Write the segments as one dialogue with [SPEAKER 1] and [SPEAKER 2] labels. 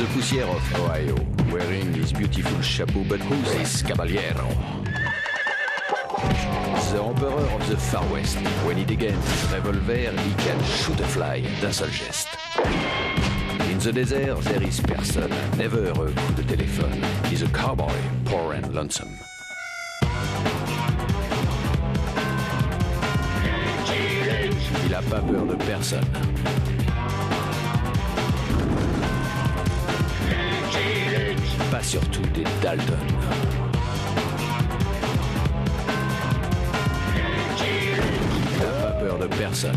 [SPEAKER 1] the poussière of Ohio, wearing his beautiful chapeau, but who's this caballero? The emperor of the Far West. When he degains his revolver, he can shoot a fly d'un seul geste. In the desert, there is person, never a coup de téléphone. He's a cowboy, poor and lonesome. Il a pas peur de personne. Pas surtout des Dalton. Il a pas peur de personne.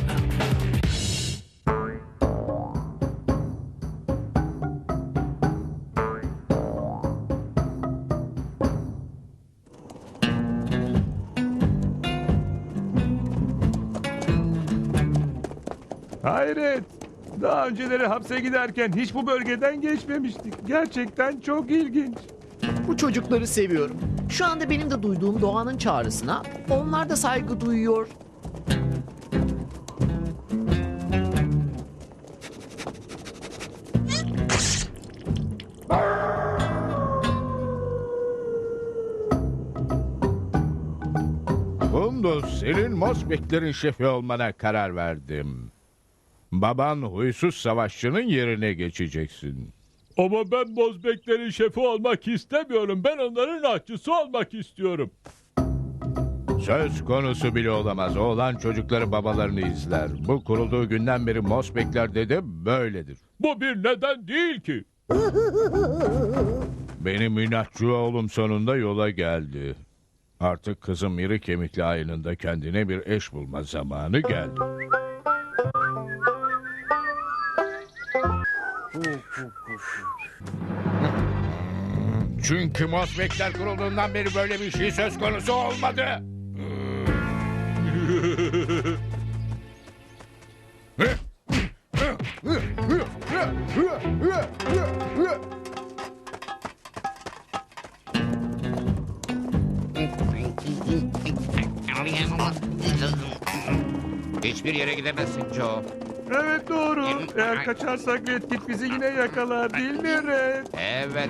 [SPEAKER 2] Hayret! Daha önceleri hapse giderken hiç bu bölgeden geçmemiştik. Gerçekten çok ilginç.
[SPEAKER 3] Bu çocukları seviyorum. Şu anda benim de duyduğum doğanın çağrısına onlar da saygı duyuyor.
[SPEAKER 4] Kunduz, senin Mosbeklerin şefi olmana karar verdim. Baban huysuz savaşçının yerine geçeceksin.
[SPEAKER 2] Ama ben Mozbeklerin şefi olmak istemiyorum. Ben onların aşçısı olmak istiyorum.
[SPEAKER 4] Söz konusu bile olamaz. Oğlan çocukları babalarını izler. Bu kurulduğu günden beri Mosbekler'de de böyledir.
[SPEAKER 2] Bu bir neden değil ki.
[SPEAKER 4] Benim inatçı oğlum sonunda yola geldi. Artık kızım iri kemikli ayınında kendine bir eş bulma zamanı geldi. Çünkü Mosbekler kurulduğundan beri böyle bir şey söz konusu olmadı.
[SPEAKER 5] Hiçbir yere gidemezsin Joe.
[SPEAKER 2] Evet doğru. Eğer kaçarsak Red Kit bizi yine yakalar değil mi Red?
[SPEAKER 5] Evet.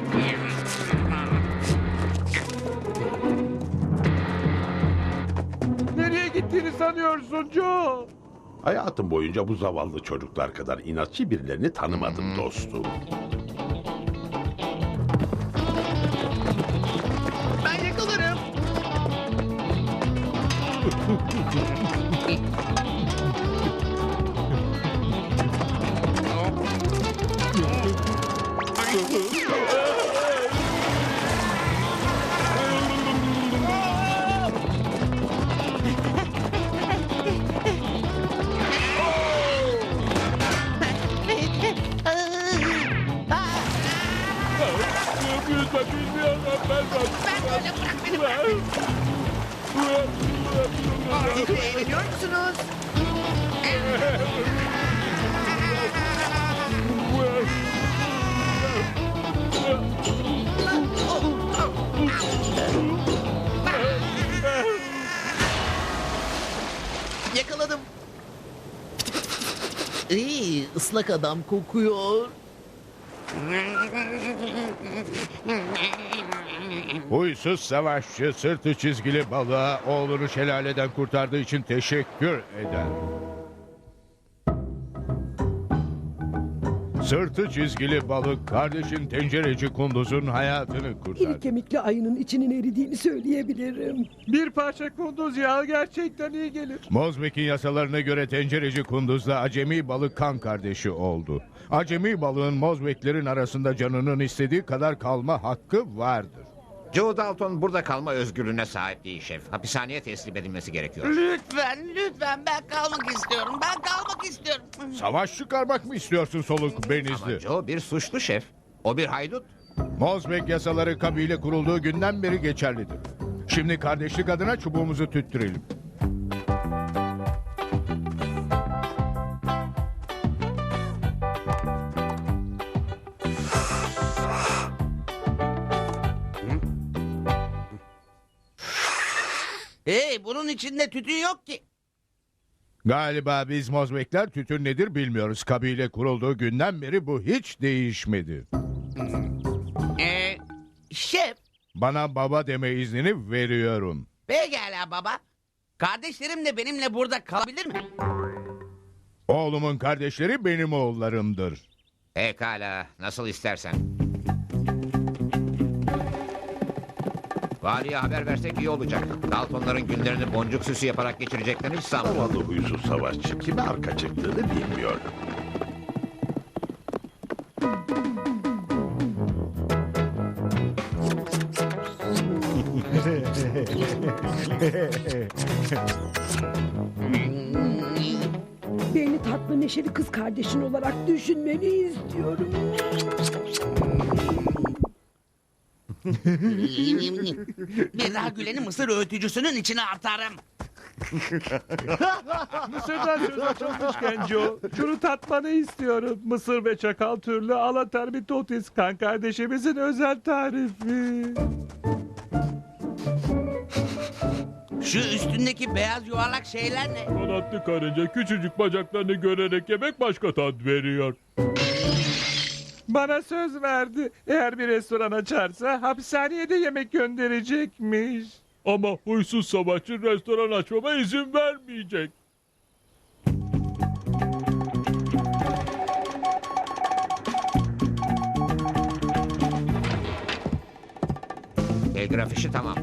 [SPEAKER 2] Nereye gittiğini sanıyorsun Joe?
[SPEAKER 6] Hayatım boyunca bu zavallı çocuklar kadar inatçı birilerini tanımadım dostum.
[SPEAKER 3] Ben yakalarım.
[SPEAKER 2] Yüzme bilmiyorum ben.
[SPEAKER 7] Öyle bırak beni bırak.
[SPEAKER 3] Eğleniyor musunuz? Yakaladım. İyi, ıslak adam kokuyor.
[SPEAKER 4] Huysuz savaşçı sırtı çizgili balığa oğlunu şelaleden kurtardığı için teşekkür eder. Sırtı çizgili balık kardeşin tencereci kunduzun hayatını
[SPEAKER 8] İri
[SPEAKER 4] kurtardı.
[SPEAKER 8] kemikli ayının içinin eridiğini söyleyebilirim.
[SPEAKER 2] Bir parça kunduz yağı gerçekten iyi gelir.
[SPEAKER 4] Mozbek'in yasalarına göre tencereci kunduzla acemi balık kan kardeşi oldu. Acemi balığın Mozbeklerin arasında canının istediği kadar kalma hakkı vardır.
[SPEAKER 5] Joe Dalton burada kalma özgürlüğüne sahip değil şef. Hapishaneye teslim edilmesi gerekiyor.
[SPEAKER 7] Lütfen ben kalmak istiyorum. Ben kalmak istiyorum.
[SPEAKER 4] Savaş çıkarmak mı istiyorsun soluk benizli?
[SPEAKER 5] Ama Joe bir suçlu şef. O bir haydut.
[SPEAKER 4] Mozbek yasaları kabile kurulduğu günden beri geçerlidir. Şimdi kardeşlik adına çubuğumuzu tüttürelim.
[SPEAKER 7] Hey, bunun içinde tütün yok ki.
[SPEAKER 4] Galiba biz Mozbekler tütün nedir bilmiyoruz. Kabile kurulduğu günden beri bu hiç değişmedi.
[SPEAKER 7] Şef,
[SPEAKER 4] Bana baba deme iznini veriyorum.
[SPEAKER 7] pekala baba. Kardeşlerim de benimle burada kalabilir mi?
[SPEAKER 4] Oğlumun kardeşleri benim oğullarımdır.
[SPEAKER 5] Pekala, nasıl istersen. Valiye haber versek iyi olacak. Daltonların günlerini boncuk süsü yaparak geçireceklerini hiç sanmıyorum.
[SPEAKER 6] Zavallı huysuz savaşçı kime arka çıktığını bilmiyor.
[SPEAKER 8] Beni tatlı neşeli kız kardeşin olarak düşünmeni istiyorum.
[SPEAKER 7] Bir daha Gülen'i mısır öğütücüsünün içine atarım.
[SPEAKER 2] Mısır'dan söz açılmışken Joe, şunu tatmanı istiyorum. Mısır ve çakal türlü alaterbitotis kan kardeşimizin özel tarifi.
[SPEAKER 7] Şu üstündeki beyaz yuvarlak şeyler ne?
[SPEAKER 2] Kanatlı karınca küçücük bacaklarını görerek yemek başka tat veriyor. Bana söz verdi. Eğer bir restoran açarsa hapishaneye de yemek gönderecekmiş. Ama huysuz savaşçı restoran açmama izin vermeyecek.
[SPEAKER 5] Telgraf işi tamam.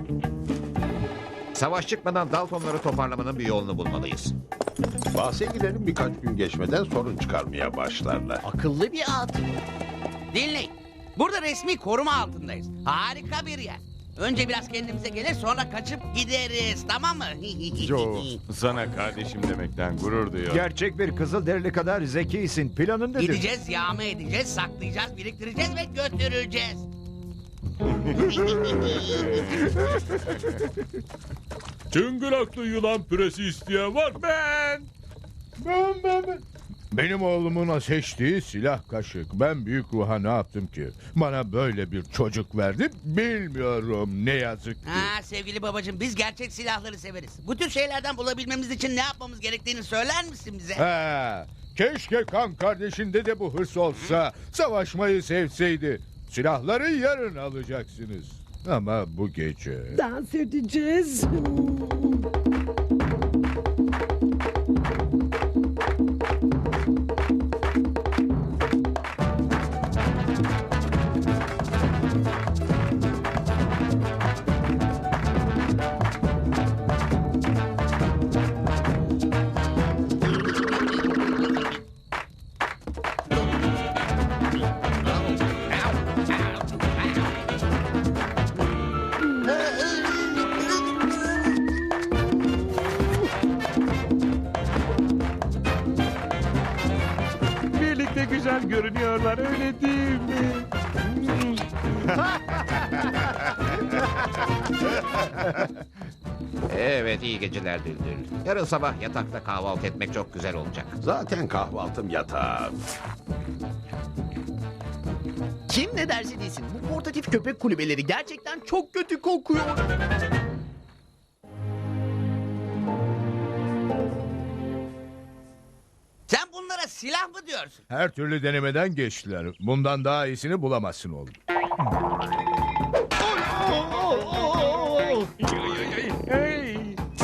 [SPEAKER 5] Savaş çıkmadan Daltonları toparlamanın bir yolunu bulmalıyız.
[SPEAKER 6] Bahse gidelim, birkaç gün geçmeden sorun çıkarmaya başlarlar.
[SPEAKER 3] Akıllı bir at.
[SPEAKER 7] Dinleyin. Burada resmi koruma altındayız. Harika bir yer. Önce biraz kendimize gelir sonra kaçıp gideriz, tamam mı?
[SPEAKER 9] Joe, sana kardeşim demekten gurur duyuyorum.
[SPEAKER 10] Gerçek bir Kızılderili kadar zekisin. Planın nedir?
[SPEAKER 7] Gideceğiz, yağma edeceğiz, saklayacağız, biriktireceğiz ve götüreceğiz.
[SPEAKER 2] Çıngıraklı yılan püresi isteyen var. Ben.
[SPEAKER 4] Benim oğlumun seçtiği silah kaşık. Ben büyük ruha ne yaptım ki? Bana böyle bir çocuk verdi, bilmiyorum ne yazık ki.
[SPEAKER 7] Ha, sevgili babacığım, biz gerçek silahları severiz. Bu tür şeylerden bulabilmemiz için ne yapmamız gerektiğini söyler misin bize?
[SPEAKER 4] He, keşke kan kardeşinde de bu hırs olsa, savaşmayı sevseydi. Silahları yarın alacaksınız. Ama bu gece...
[SPEAKER 8] Dans edeceğiz.
[SPEAKER 2] Birlikte güzel görünüyorlar, öyle değil mi?
[SPEAKER 5] Evet, iyi geceler Düldül. Yarın sabah yatakta kahvaltı etmek çok güzel olacak.
[SPEAKER 6] Zaten kahvaltım yatağım.
[SPEAKER 3] Kim ne derse desin bu portatif köpek kulübeleri gerçekten çok kötü kokuyor.
[SPEAKER 7] Sen bunlara silah mı diyorsun?
[SPEAKER 4] Her türlü denemeden geçtiler. Bundan daha iyisini bulamazsın oğlum.
[SPEAKER 2] Hey.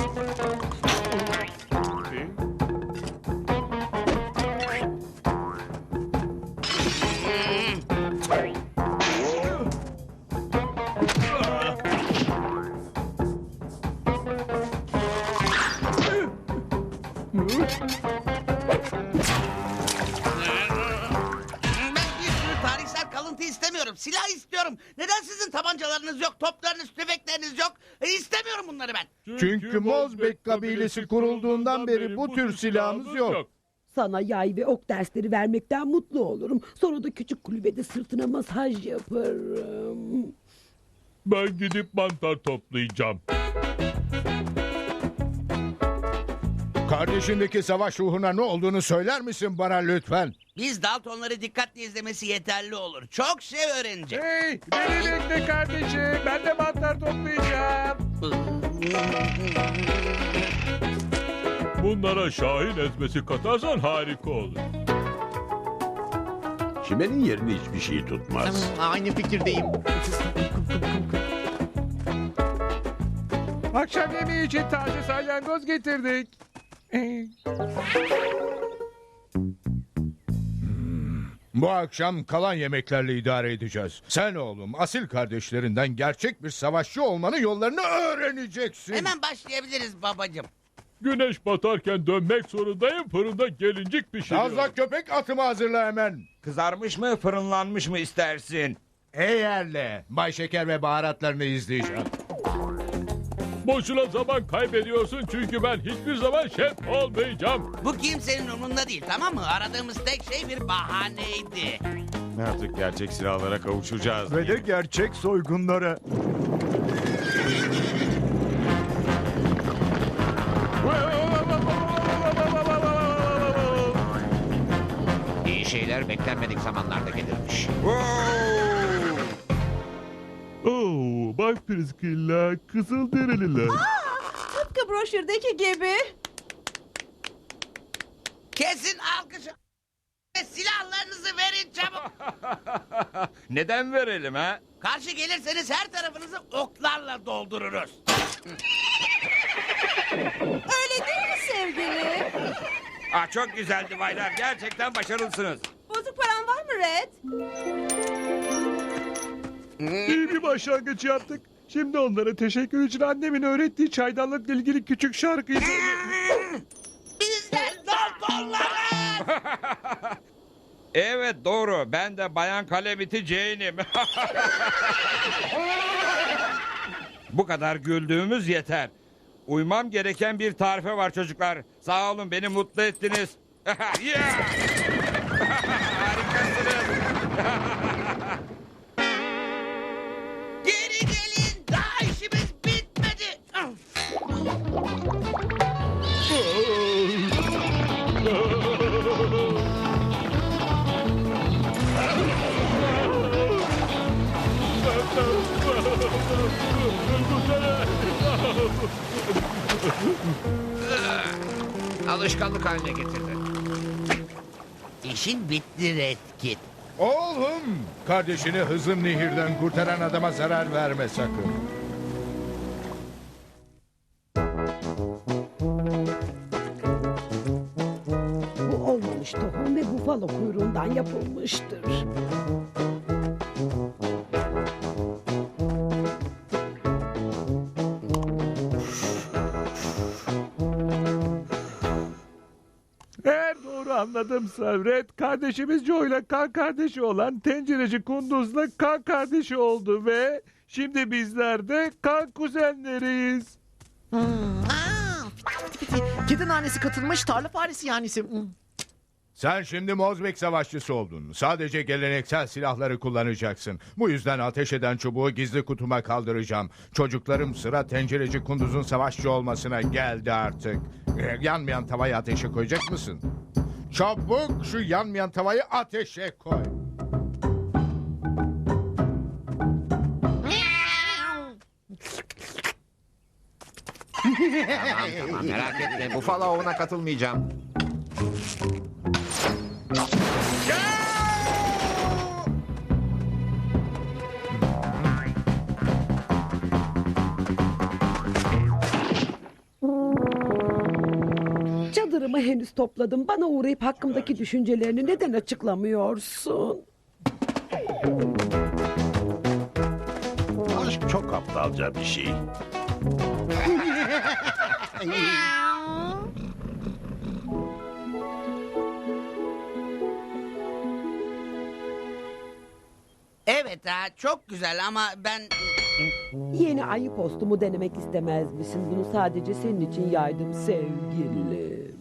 [SPEAKER 7] Ben bir sürü tarihsel kalıntı istemiyorum. Silah istiyorum. Neden sizin tabancalarınız yok, toplarınız, tüfekleriniz yok? İstemiyorum bunları ben.
[SPEAKER 4] Çünkü Mozbek kabilesi kurulduğundan beri bu tür silahımız yok.
[SPEAKER 8] Sana yay ve ok dersleri vermekten mutlu olurum. Sonra da küçük kulübede sırtına masaj yaparım.
[SPEAKER 2] Ben gidip mantar toplayacağım.
[SPEAKER 4] Kardeşindeki savaş ruhuna ne olduğunu söyler misin bana lütfen?
[SPEAKER 7] Biz Daltonları dikkatli izlemesi yeterli olur. Çok şey öğrenecek.
[SPEAKER 2] Hey, beni bekle kardeşim. Ben de mantar toplayacağım. Bunlara Şahin ezmesi katarsan harika olur.
[SPEAKER 6] Çimenin yerini hiçbir şey tutmaz.
[SPEAKER 3] Aynı fikirdeyim.
[SPEAKER 2] Akşam yemeği için taze salyangoz getirdik.
[SPEAKER 4] Bu akşam kalan yemeklerle idare edeceğiz. Sen oğlum asil kardeşlerinden gerçek bir savaşçı olmanın yollarını öğreneceksin.
[SPEAKER 7] Hemen başlayabiliriz babacığım.
[SPEAKER 2] Güneş batarken dönmek zorundayım. Fırında gelincik pişiriyorum.
[SPEAKER 4] Tazla köpek atımı hazırla hemen.
[SPEAKER 10] Kızarmış mı fırınlanmış mı istersin?
[SPEAKER 4] Eğerle Bay Şeker ve baharatlarını izleyeceğim.
[SPEAKER 2] Boşuna zaman kaybediyorsun çünkü ben hiçbir zaman şef olmayacağım.
[SPEAKER 7] Bu kimsenin umurunda değil, tamam mı? Aradığımız tek şey bir bahaneydi.
[SPEAKER 9] Artık gerçek silahlara kavuşacağız.
[SPEAKER 10] Ve de gerçek soygunlara.
[SPEAKER 5] İyi şeyler beklenmedik zamanlarda gelirmiş.
[SPEAKER 2] Oo, bak Priscilla, Kızılderililer.
[SPEAKER 11] Tıpkı broşürdeki gibi.
[SPEAKER 7] Kesin alkışı ve silahlarınızı verin çabuk.
[SPEAKER 10] Neden verelim ha?
[SPEAKER 7] Karşı gelirseniz her tarafınızı oklarla doldururuz.
[SPEAKER 11] Öyle değil mi sevgili?
[SPEAKER 10] Çok güzeldi baylar. Gerçekten başarılısınız.
[SPEAKER 11] Bozuk paran var mı Red?
[SPEAKER 2] İyi bir başlangıç yaptık. Şimdi onlara teşekkür için annemin öğrettiği çaydanlıkla ilgili küçük şarkıyı...
[SPEAKER 7] Bizden doktorlar.
[SPEAKER 10] Evet doğru. Ben de Bayan Kalemiti Jane'im. Bu kadar güldüğümüz yeter. Uymam gereken bir tarife var çocuklar. Sağ olun, beni mutlu ettiniz. Yeah! Harikasınız.
[SPEAKER 7] Geri gelin, daha işimiz bitmedi.
[SPEAKER 5] Alışkanlık haline getirdi.
[SPEAKER 7] İşin bitti Red Kit.
[SPEAKER 4] Oğlum, kardeşini Hızım Nehir'den kurtaran adama zarar verme sakın.
[SPEAKER 8] Bu olmamış tohum ve bufalo kuyruğundan yapılmıştır.
[SPEAKER 2] Eğer doğru anladımsa Red kardeşimiz Joe ile kan kardeşi olan tencereci Kunduz'la kan kardeşi oldu ve şimdi bizler de kan kuzenleriyiz.
[SPEAKER 3] Kedi nanesi katılmış tarla faresi yanisi.
[SPEAKER 4] Sen şimdi Mozbek savaşçısı oldun. Sadece geleneksel silahları kullanacaksın. Bu yüzden ateş eden çubuğu gizli kutuma kaldıracağım. Çocuklarım, sıra tencereci Kunduz'un savaşçı olmasına geldi artık. Yanmayan tavayı ateşe koyacak mısın? Çabuk şu yanmayan tavayı ateşe koy.
[SPEAKER 5] Tamam merak etme. Bufalo avına katılmayacağım.
[SPEAKER 8] Çadırımı henüz topladım. Bana uğrayıp hakkımdaki düşüncelerini neden açıklamıyorsun?
[SPEAKER 6] Aşk çok aptalca bir şey.
[SPEAKER 7] Evet ha, çok güzel ama ben...
[SPEAKER 8] Yeni ayı postumu denemek istemez misin? Bunu sadece senin için yaydım sevgili.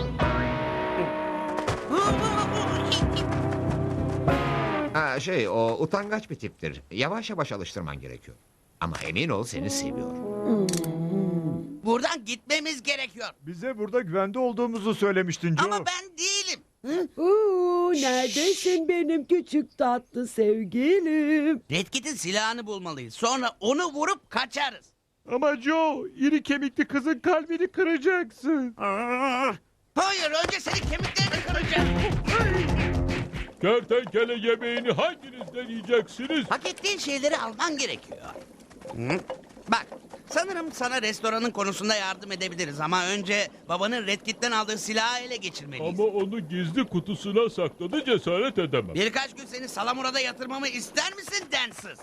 [SPEAKER 5] O utangaç bir tiptir. Yavaş yavaş alıştırman gerekiyor. Ama emin ol seni seviyor.
[SPEAKER 7] Buradan gitmemiz gerekiyor.
[SPEAKER 10] Bize burada güvende olduğumuzu söylemiştin Joe.
[SPEAKER 7] Ama ben değilim.
[SPEAKER 8] Neredesin benim küçük tatlı sevgilim?
[SPEAKER 7] Red Kit'in silahını bulmalıyız. Sonra onu vurup kaçarız.
[SPEAKER 2] Ama Joe, iri kemikli kızın kalbini kıracaksın.
[SPEAKER 7] Hayır, önce senin kemiklerini kıracağım.
[SPEAKER 2] Kertenkele yemeğini hanginiz deneyeceksiniz?
[SPEAKER 7] Hak ettiğin şeyleri alman gerekiyor. Hı? Bak, sanırım sana restoranın konusunda yardım edebiliriz ama önce babanın Red Kit'ten aldığı silahı ele geçirmeliyiz.
[SPEAKER 2] Ama onu gizli kutusuna sakladı, cesaret edemem.
[SPEAKER 7] Birkaç gün seni Salamura'da yatırmamı ister misin densiz?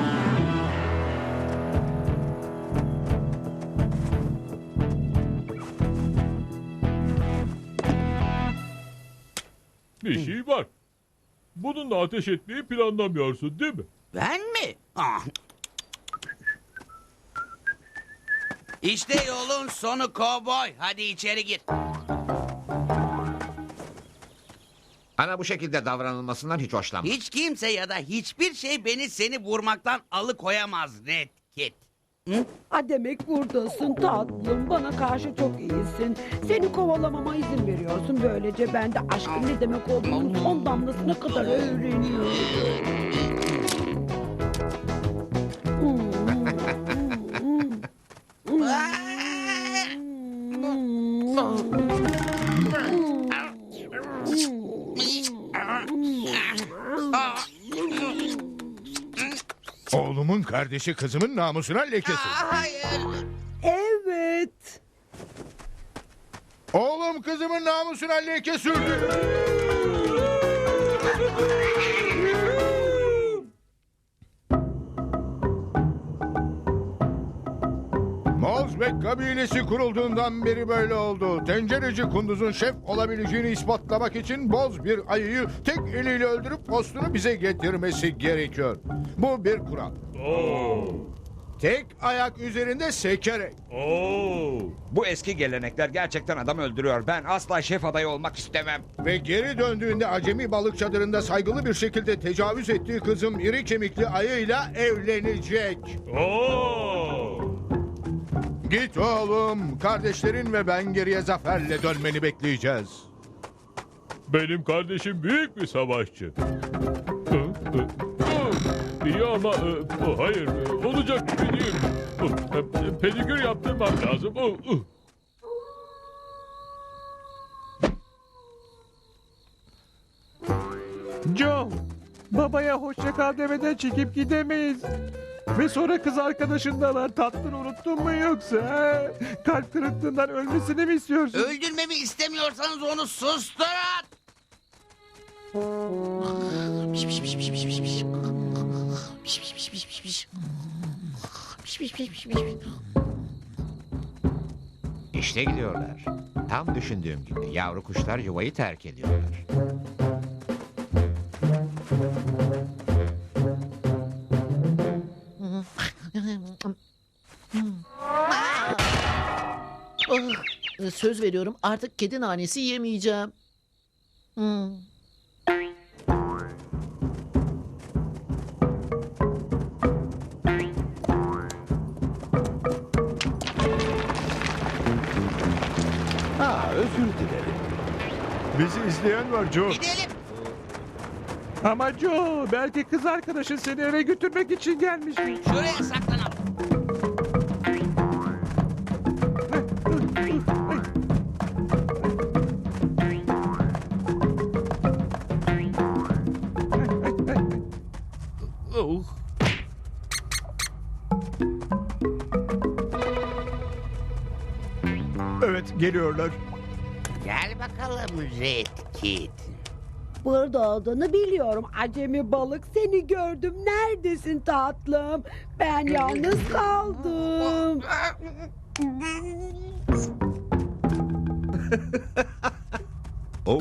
[SPEAKER 2] Bir şey var. Bununla ateş etmeyi planlamıyorsun değil mi?
[SPEAKER 7] Ben mi? Ah. İşte yolun sonu kovboy. Hadi içeri gir.
[SPEAKER 5] Bana bu şekilde davranılmasından hiç hoşlanmam.
[SPEAKER 7] Hiç kimse ya da hiçbir şey beni seni vurmaktan alıkoyamaz Red Kit.
[SPEAKER 8] Ha demek buradasın tatlım. Bana karşı çok iyisin. Seni kovalamama izin veriyorsun. Böylece ben de aşkın ne demek olduğunu son damlasına kadar öğreniyorum.
[SPEAKER 4] Oğlumun kardeşi kızımın namusuna leke sürdü.
[SPEAKER 7] Hayır.
[SPEAKER 8] Evet.
[SPEAKER 4] Oğlum kızımın namusuna leke sürdü. Mozbek kabilesi kurulduğundan beri böyle oldu. Tencereci kunduzun şef olabileceğini ispatlamak için boz bir ayıyı tek eliyle öldürüp postunu bize getirmesi gerekiyor. Bu bir kural. Tek ayak üzerinde sekerek.
[SPEAKER 10] Bu eski gelenekler gerçekten adam öldürüyor. Ben asla şef adayı olmak istemem.
[SPEAKER 4] Ve geri döndüğünde acemi balık çadırında saygılı bir şekilde tecavüz ettiği kızım iri kemikli ayıyla evlenecek. Git oğlum. Kardeşlerin ve ben geriye zaferle dönmeni bekleyeceğiz.
[SPEAKER 2] Benim kardeşim büyük bir savaşçı. İyi ama hayır, olacak gibi değil. Pedikür yaptırmam lazım. Joe, babaya hoşça kal demeden çekip gidemeyiz. Ve sonra kız arkadaşındalar. Tatlını unuttun mu yoksa? He? Kalp kırıklığından ölmesini mi istiyorsun?
[SPEAKER 7] Öldürmemi istemiyorsanız onu susturun.
[SPEAKER 5] İşte gidiyorlar. Tam düşündüğüm gibi yavru kuşlar yuvayı terk ediyorlar.
[SPEAKER 3] Söz veriyorum artık kedi nanesi yemeyeceğim.
[SPEAKER 6] Özür dilerim.
[SPEAKER 2] Bizi izleyen var Joe.
[SPEAKER 7] Gidelim.
[SPEAKER 2] Ama Joe, belki kız arkadaşın seni eve götürmek için gelmiştir.
[SPEAKER 7] Şuraya saklanalım.
[SPEAKER 4] Evet, geliyorlar.
[SPEAKER 7] Gel bakalım Red Kit.
[SPEAKER 8] Burada olduğunu biliyorum. Acemi balık seni gördüm. Neredesin tatlım? Ben yalnız kaldım.
[SPEAKER 4] Oh.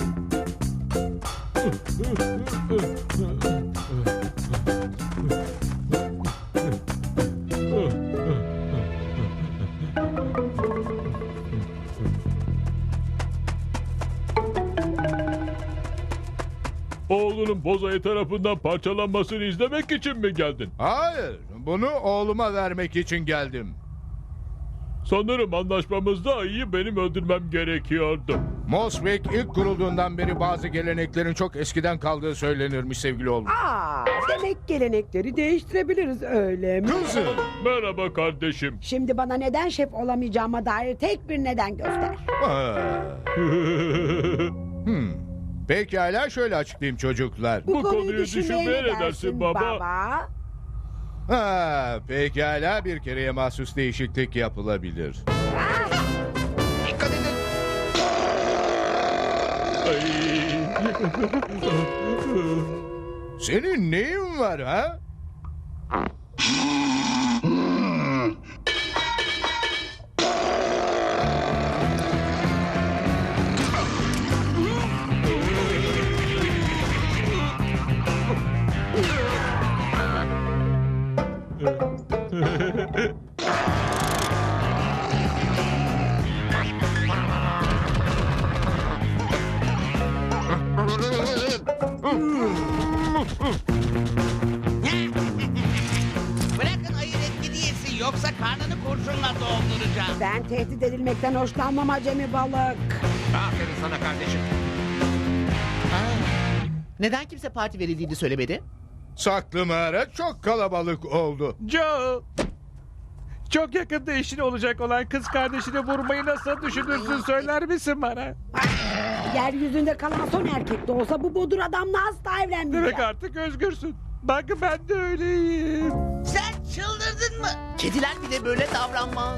[SPEAKER 2] Oğlunun bozayı tarafından parçalanmasını izlemek için mi geldin?
[SPEAKER 4] Hayır, bunu oğluma vermek için geldim.
[SPEAKER 2] Sanırım anlaşmamızda ayıyı benim öldürmem gerekiyordu.
[SPEAKER 4] Mosbek ilk kurulduğundan beri bazı geleneklerin çok eskiden kaldığı söylenirmiş sevgili oğlum.
[SPEAKER 8] Demek gelenekleri değiştirebiliriz öyle mi?
[SPEAKER 4] Kızım.
[SPEAKER 2] Merhaba kardeşim.
[SPEAKER 8] Şimdi bana neden şef olamayacağıma dair tek bir neden göster.
[SPEAKER 4] Pekala şöyle açıklayayım çocuklar.
[SPEAKER 2] Bu konuyu düşünmeye ne dersin baba?
[SPEAKER 4] Ha, pekala bir kereye mahsus değişiklik yapılabilir.
[SPEAKER 5] Dikkat edin.
[SPEAKER 4] Senin neyin var ha?
[SPEAKER 7] Bırakın ayı Red Kit'i yesin yoksa karnını kurşunla dolduracağım.
[SPEAKER 8] Ben tehdit edilmekten hoşlanmam acemi balık.
[SPEAKER 5] Aferin sana kardeşim.
[SPEAKER 3] Neden kimse parti verildiğini söylemedi?
[SPEAKER 4] Saklı mağara çok kalabalık oldu.
[SPEAKER 2] Joe! Çok yakında eşin olacak olan kız kardeşini vurmayı nasıl düşünürsün söyler misin bana?
[SPEAKER 8] Yeryüzünde kalan son erkek de olsa bu bodur adamla asla evlenmeyeceğim.
[SPEAKER 2] Demek artık özgürsün. Bak ben de öyleyim.
[SPEAKER 7] Sen çıldırdın mı?
[SPEAKER 3] Kediler bile böyle davranmaz.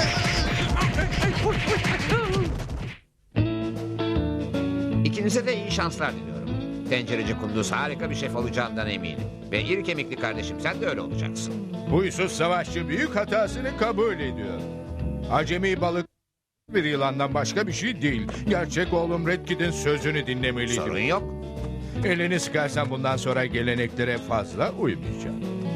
[SPEAKER 5] İkinize de iyi şanslar diliyorum. Tencereci Kunduz harika bir şef olacağından eminim. Ve iri kemikli kardeşim sen de öyle olacaksın.
[SPEAKER 4] Huysuz savaşçı büyük hatasını kabul ediyor. Acemi balık bir yılandan başka bir şey değil. Gerçek oğlum Red Kit'in sözünü dinlemeliydim.
[SPEAKER 5] Sorun yok.
[SPEAKER 4] Elini sıkarsan bundan sonra geleneklere fazla uymayacağım.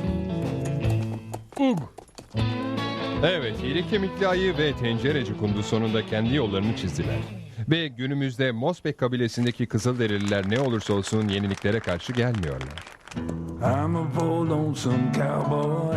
[SPEAKER 2] Ug.
[SPEAKER 12] Evet, iri kemikli ayı ve tencereci Kunduz sonunda kendi yollarını çizdiler. Ve günümüzde Mosbek kabilesindeki Kızılderililer ne olursa olsun yeniliklere karşı gelmiyorlar.
[SPEAKER 13] I'm a bold lonesome cowboy